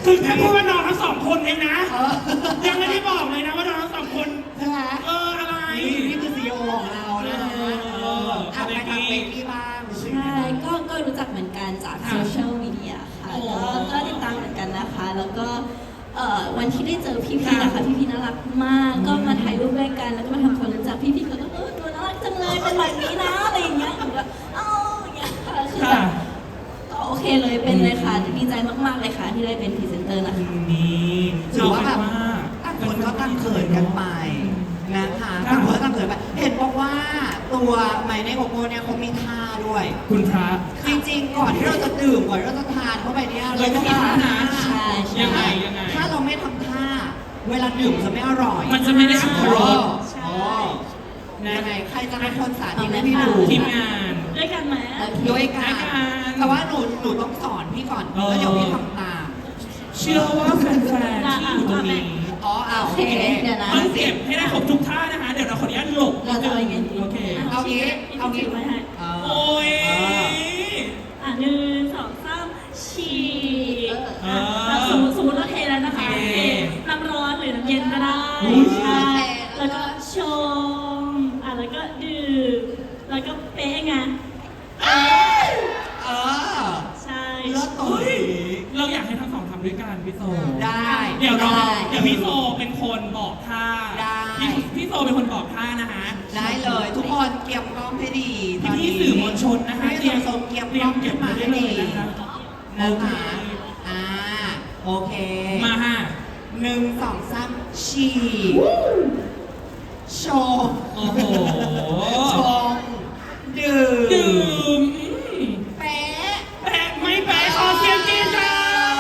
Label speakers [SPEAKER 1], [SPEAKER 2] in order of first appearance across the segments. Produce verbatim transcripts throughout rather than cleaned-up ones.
[SPEAKER 1] คือแค่พูดว่าน้องทั้งสองคนเองนะ
[SPEAKER 2] เออ
[SPEAKER 1] ยังไม่ได้บอกเลยนะว่าน้องทั้งสองคน
[SPEAKER 2] ใช่ไหม
[SPEAKER 1] เอออะไร
[SPEAKER 2] นี่นี่คือซีอีโอของเรานะฮะเอออ่ะไปทางเบกกี้บ้างรู้สึกยัง
[SPEAKER 3] ใช่
[SPEAKER 2] ไงบ้าง
[SPEAKER 3] ก็ก็รู้จักเหมือนกันจากโซเชียลมีเดียค่ะก็ก็ติดตามเหมือนกันนะคะ แล้วก็เอ่อวันที่ได้เจอพี่ๆนะคะพี่ๆน่ารักมาก ก็มาถ่ายรูปด้วยกันแล้วก็มาทำความรู้จักพี่ๆเขาก็เออตัวน่ารักจังเลยเป็นแบบนี้นะอะไรอย่างเงี้ยหนูก็เอ้าอย่างเงี้ยค่ะคือแบบก็โอเคเลยเป็นเลยค่ะดีใจมากๆเลยค่ะที่ได้เป็นพรีเซนเตอร์นะคะ
[SPEAKER 1] นี่
[SPEAKER 2] ถือว่าแบบ
[SPEAKER 1] เอ
[SPEAKER 2] ต่าง
[SPEAKER 1] เป็
[SPEAKER 2] คนก็ต่างเขินกันไปนะคะ
[SPEAKER 1] ครับ
[SPEAKER 2] ต่างคนก็ต่างเขินไป เห็นบอกว่าตัวไมเนโกโก้เนี่ยเขามีท่าด้วย
[SPEAKER 1] คุณพระ
[SPEAKER 2] จริงๆ ก่อนที่เราจะดื่มก่อนที่เราจะทานเข้าไปเนี่ย
[SPEAKER 1] เราต้องมีท่านะ
[SPEAKER 3] ใช่ใช่
[SPEAKER 1] ยังไงยังไง
[SPEAKER 2] ถ้าเราไม่ทำท่า เวลาดื่มจะไม่อร่อย
[SPEAKER 1] มันจะไม่ได้อรรถรส
[SPEAKER 3] ใช่
[SPEAKER 2] อ๋อ
[SPEAKER 1] นะ
[SPEAKER 2] ยังไงใครจะเป็นคนสาธิต
[SPEAKER 3] เอาไหม
[SPEAKER 2] ให้พี่ดู
[SPEAKER 1] ทีมงาน
[SPEAKER 3] ด้วยกันไหม โอเค
[SPEAKER 2] ด้วยกั
[SPEAKER 1] ด้วย
[SPEAKER 2] น
[SPEAKER 1] กัน
[SPEAKER 2] แต่ว่าหนูหนูต้องสอนพี่ก่อน
[SPEAKER 1] เออ
[SPEAKER 2] แล้วเดี๋ยวพี่ทำตาม
[SPEAKER 1] เชื่อว่าแฟนๆที่อยู่ตรงนี้
[SPEAKER 2] อ๋ออ่ะโอเค
[SPEAKER 3] เดี๋ยวนะ
[SPEAKER 1] ต้องเก็บให้ได้ครบทุกท่านะคะ เดี๋ยวเราขออนุญาตหลบ
[SPEAKER 3] เราจะเอายังไงดี
[SPEAKER 1] โอเค
[SPEAKER 2] เอางี้เอางี้
[SPEAKER 3] ไว้ให้
[SPEAKER 2] เออ
[SPEAKER 1] โอ้ย
[SPEAKER 2] เออ
[SPEAKER 4] อ่ะหนึ่งสองสามฉีด
[SPEAKER 1] เออ
[SPEAKER 4] อ่ะสมมติสมมติเราเทแล้วนะคะ
[SPEAKER 1] โอเค
[SPEAKER 4] เทน้ำร้อนหรือน้ำเย็นก็ได้
[SPEAKER 1] อุ๊ย
[SPEAKER 4] ใช่แล้วก็ชงอ่ะแล้วก็ดื่มแล้วก็เป๊ะไง
[SPEAKER 2] เออ
[SPEAKER 4] ใช่
[SPEAKER 2] เลิศตัว
[SPEAKER 1] เฮ้ย
[SPEAKER 2] นี้
[SPEAKER 1] เราอยากให้ทั้งสองทำด้วยกันพี่โซ
[SPEAKER 2] ได้
[SPEAKER 1] เดี๋ยวเรา
[SPEAKER 3] ได้
[SPEAKER 1] เดี๋ยวพี่โซเป็นคนบอกท่า
[SPEAKER 2] ได้
[SPEAKER 1] พี่พี่โซเป็นคนบอกท่านะคะ
[SPEAKER 2] ได้เลยทุกคนเก็บกล้องให้ดีตอน
[SPEAKER 1] พี่
[SPEAKER 2] นี้
[SPEAKER 1] ๆสื่อมวลชนนะคะ
[SPEAKER 2] พี่สื่อมวลชนเก็บกล้องขึ้นมาให้ดี
[SPEAKER 1] นะคะ
[SPEAKER 2] นะคะอ่าโอเค
[SPEAKER 1] มาฮะ
[SPEAKER 2] หนึ่งสองสามฉีดโชว์
[SPEAKER 1] โอ้โห
[SPEAKER 2] ชงดื่ม
[SPEAKER 1] ดื่ม
[SPEAKER 2] แป๊ะ
[SPEAKER 1] แปะไม่แปะขอเสียงกรี๊ดค่ะ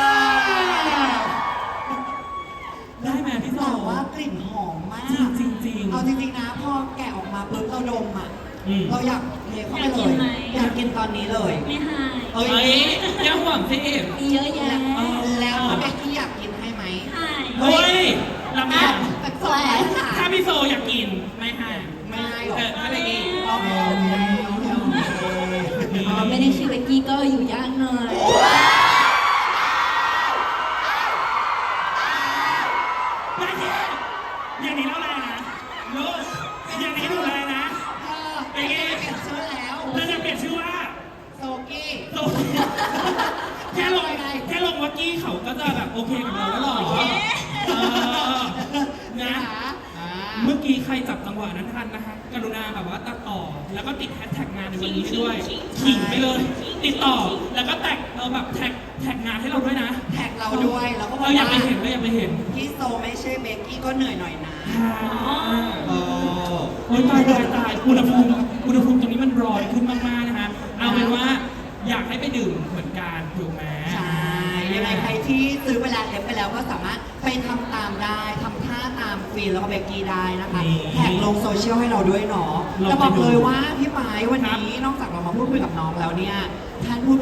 [SPEAKER 1] ได้ไหมพี่โซ
[SPEAKER 2] แต่ว่ากลิ่นหอมมาก
[SPEAKER 1] จริงๆจริงๆ
[SPEAKER 2] เอาจริงๆนะพอแกะออกมาปุ๊บเราดมอ่ะ
[SPEAKER 1] อืม
[SPEAKER 2] เราอยากเทเข้าไปเลย อยากกินตอนนี้เลย
[SPEAKER 4] ไม่หาย
[SPEAKER 2] เอ้
[SPEAKER 1] เฮ้
[SPEAKER 2] ย
[SPEAKER 1] ยยังหวังสิ
[SPEAKER 3] มีเยอะแยะ
[SPEAKER 2] แล้วถ้าเบกกี้อยากกินให้ไหม
[SPEAKER 4] หาย
[SPEAKER 1] เฮ้ยเราไม่
[SPEAKER 2] อ่ะ
[SPEAKER 1] อยาก
[SPEAKER 2] แปลกๆค่ะ
[SPEAKER 1] ถ้าพี่โซอยากกินไม่ให้
[SPEAKER 2] ไม่ให้หรอก
[SPEAKER 1] เออถ้าไม่ดี
[SPEAKER 2] โอเคโอเคโอเคโอเค
[SPEAKER 3] อ๋อไม่ได้ชื่อเบกกี้ก็อยู่ยากหน่อย
[SPEAKER 1] ไม่ดีอย่างนี้แล้วแรงนะลูกอย่างนี้ดูแรงนะ
[SPEAKER 2] เออเปลี่ยนชื่อแล้ว
[SPEAKER 1] เราจะเปลี่ยนชื่อว่า
[SPEAKER 2] โซกี้
[SPEAKER 1] โซแค่ลงแค่ลงวักกี้เขาก็จะแบบโอเคกับเราแล้วหรอเออนะ
[SPEAKER 2] อ่า
[SPEAKER 1] เมื่อกี้ใครจับจังหวะนั้นทันนะคะกรุณาแบบว่าตัดต่อ แล้วก็ติดแฮชแท็กงานในวันนี้ให้ด้วยขิงไปเลย ติดต่อ แล้วก็แท็กเราแบบแท็กแท็กงานให้เราด้วยนะ
[SPEAKER 2] แท็กเราด้วยแล้วก็บอก
[SPEAKER 1] เราอยาก
[SPEAKER 2] ว่า
[SPEAKER 1] ไปเห็นเราอยากไปเห็น
[SPEAKER 2] พี่โซไม่ใช่เบกกี้ก็เหนื่อยหน่อยนะ เออ
[SPEAKER 1] โอ้ยตายตายตายอุณหภูมิอุณหภูมิตรงนี้มันร้อนขึ้นมากๆนะคะ เอาเป็นว่าอยากให้ไปดื่มเหมือนกันถูกไหม
[SPEAKER 2] ใช่ ยังไงใครที่ซื้อไปแล้วเล็บไปแล้วก็สามารถไปทำตามได้ทำท่าตามฟีนแล้วก็เบกกี้ได้นะคะ แท็กลงโซเชียลให้เราด้วยเนาะแต่บอกเลยว่าพี่ไม้วันนี้นอกจากเรามาพูดคุยกับน้องแล้วเนี่ยท่านพูด